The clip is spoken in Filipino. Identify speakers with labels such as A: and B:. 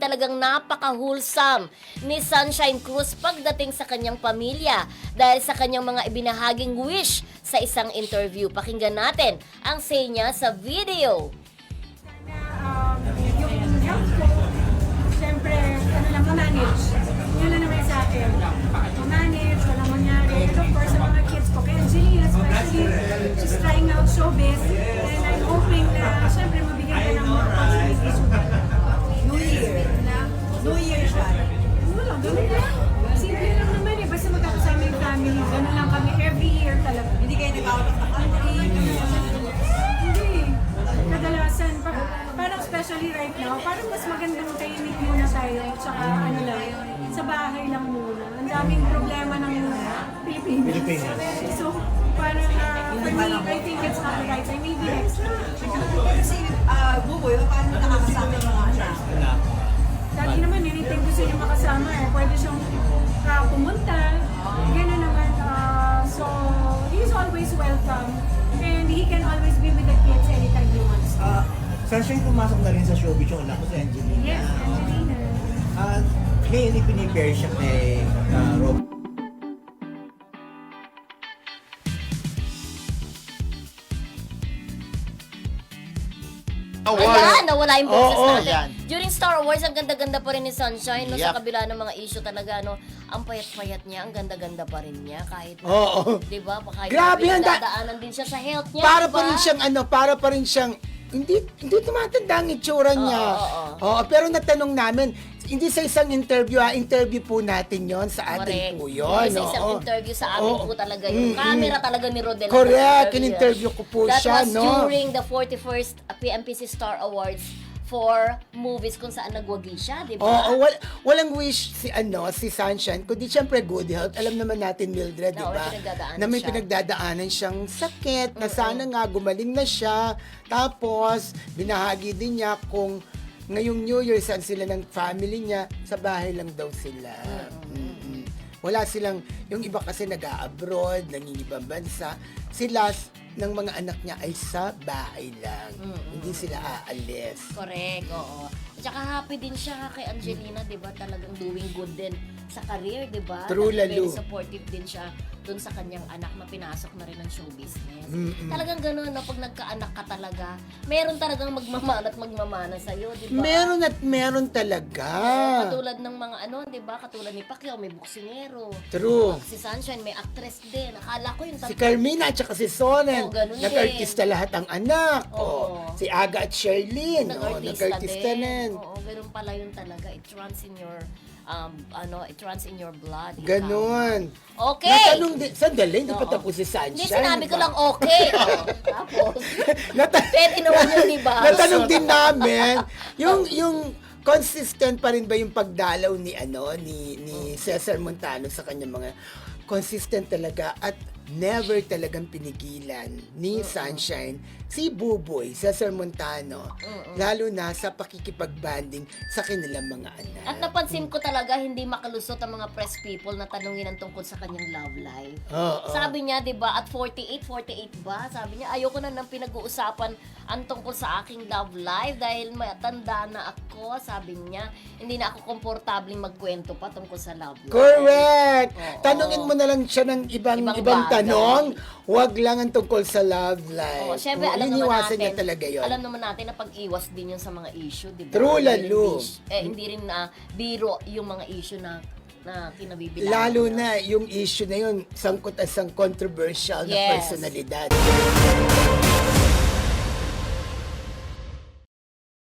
A: talagang napaka-wholesome ni Sunshine Cruz pagdating sa kanyang pamilya dahil sa kanyang mga ibinahaging wish sa isang interview. Pakinggan natin ang say niya sa video.
B: Yung health ko, siyempre, ma-manage. Yun lang naman sa akin. Ma-manage, walang mangyari. And of course, sa mga kids ko, kaya Angelina especially, she's trying out showbiz. And I'm hoping na, siyempre, mabigyan ka ng more opportunities.
C: New Year. New Year siya.
B: Wala, ganun lang. Simple lang naman eh. Basta magkakasama yung family. Ganun lang kami every year talaga.
C: Hindi kayo nag-out of the country.
B: Hindi. Kadalasan, parang especially right now, parang mas magandang tahimik muna tayo. Tsaka ano lang, sa bahay lang muna. Ang daming problema ng Pilipinas. So, parang for me, I think it's not the right time. Maybe next time.
C: Kasi, Buboy, paano nakakasama yung mga anak?
B: Dati naman, anything gusto niya makasama eh. Pwede siyang pumunta. Gano'n naman. So, he's always welcome. And he can always be with the kids anytime he wants to.
D: Sunshine, pumasok na rin sa showbiz yung anak ko si Angelina.
B: Yes, Angelina.
D: Ngayon, ipinipare siya kay Rob.
A: Ayan, nawala yung boses
D: Oo,
A: natin.
D: yan.
A: During Star Wars, ang ganda-ganda pa rin ni Sunshine. No? Sa
D: Yup.
A: kabila ng mga issue talaga, no? Ang payat-payat niya, ang ganda-ganda pa rin niya. Kahit,
D: Oo.
A: di ba? Kahit
D: Grabe yan,
A: dadaanan din siya sa health niya,
D: Para
A: di ba?
D: pa rin siyang para pa rin siyang hindi tumatanda ang itsura niya. Oo, pero natanong namin, hindi sa isang interview, interview po natin yon sa atin po yun.
A: Sa isang
D: oo.
A: interview sa amin
D: Oo.
A: po talaga yung camera talaga ni Rodel.
D: Correct, in-interview ko po
A: That
D: siya,
A: was
D: no?
A: during the 41st PMPC Star Awards for movies kung saan nagwagi siya, di ba?
D: Oo, walang wish si Sunshine, kundi siyempre good health. Alam naman natin, Mildred, di
A: Na,
D: ba?
A: may pinagdadaanan
D: Na may
A: siya.
D: pinagdadaanan siyang sakit, na sana nga gumaling na siya. Tapos, binahagi din niya kung ngayong New Year, saan sila ng family niya, sa bahay lang daw sila. Mm-mm. Wala silang, yung iba kasi nag-a-abroad, nangingibang bansa. Sila, ng mga anak niya ay sa bahay lang. Hindi sila aalis.
A: Correct, oo. At saka happy din siya kay Angelina, di ba? Talagang doing good din sa career, di ba?
D: True,
A: Very
D: lalo.
A: supportive din siya dun sa kanyang anak na pinasok na rin ng show business. Talagang gano'n, no? Pag nagkaanak ka talaga, meron talagang magmamana at magmamana sa'yo, di ba?
D: Meron at meron talaga.
A: Katulad ng mga di ba? Katulad ni Pacquiao, may boksingero.
D: True.
A: Si Sunshine, may actress din. Akala ko yung
D: Si Carmina at saka si Sonen,
A: Oo, ganun
D: nag-artista lahat ang anak.
A: Oo.
D: Si Aga at Sherlyn, nag-artista
A: din.
D: din.
A: Oo, ganun pala yun talaga. It runs in your, it runs in your blood.
D: Ganon.
A: Okay.
D: Natanong din, sandali, hindi pa
A: Oo.
D: tapos si Sunshine.
A: Hindi, sinabi ko
D: diba?
A: lang okay. Oh, tapos,
D: Nata-
A: pwede naman yun, di ba?
D: Natanong din namin, yung consistent pa rin ba yung pagdalaw ni ni Cesar Montano sa kanyang mga consistent talaga at never talagang pinigilan ni Sunshine si Buboy, Cesar Montano, lalo na sa pakikipagbanding sa kanilang mga anak.
A: At napansin ko talaga, hindi makalusot ang mga press people na tanungin ang tungkol sa kanyang love life.
D: Oo.
A: Sabi niya, di ba, at 48 ba? Sabi niya, ayoko na nang pinag-uusapan ang tungkol sa aking love life dahil matanda na ako. Sabi niya, hindi na ako komportabling magkwento pa tungkol sa love life.
D: Correct!
A: Oo.
D: Tanungin mo na lang siya ng ibang
A: Ibang bagay.
D: tanong, wag lang ang tungkol sa love life.
A: Oo, syempre,
D: Oo,
A: alam naman
D: iniwasan
A: natin,
D: niya talaga yun.
A: alam naman natin na pag-iwas din yun sa mga issue, di ba?
D: True,
A: Hindi
D: lalo.
A: rin hindi rin biro yung mga issue na kinabibilangan.
D: Lalo na yung issue na yun, sangkot at sang controversial na
A: Yes.
D: personalidad.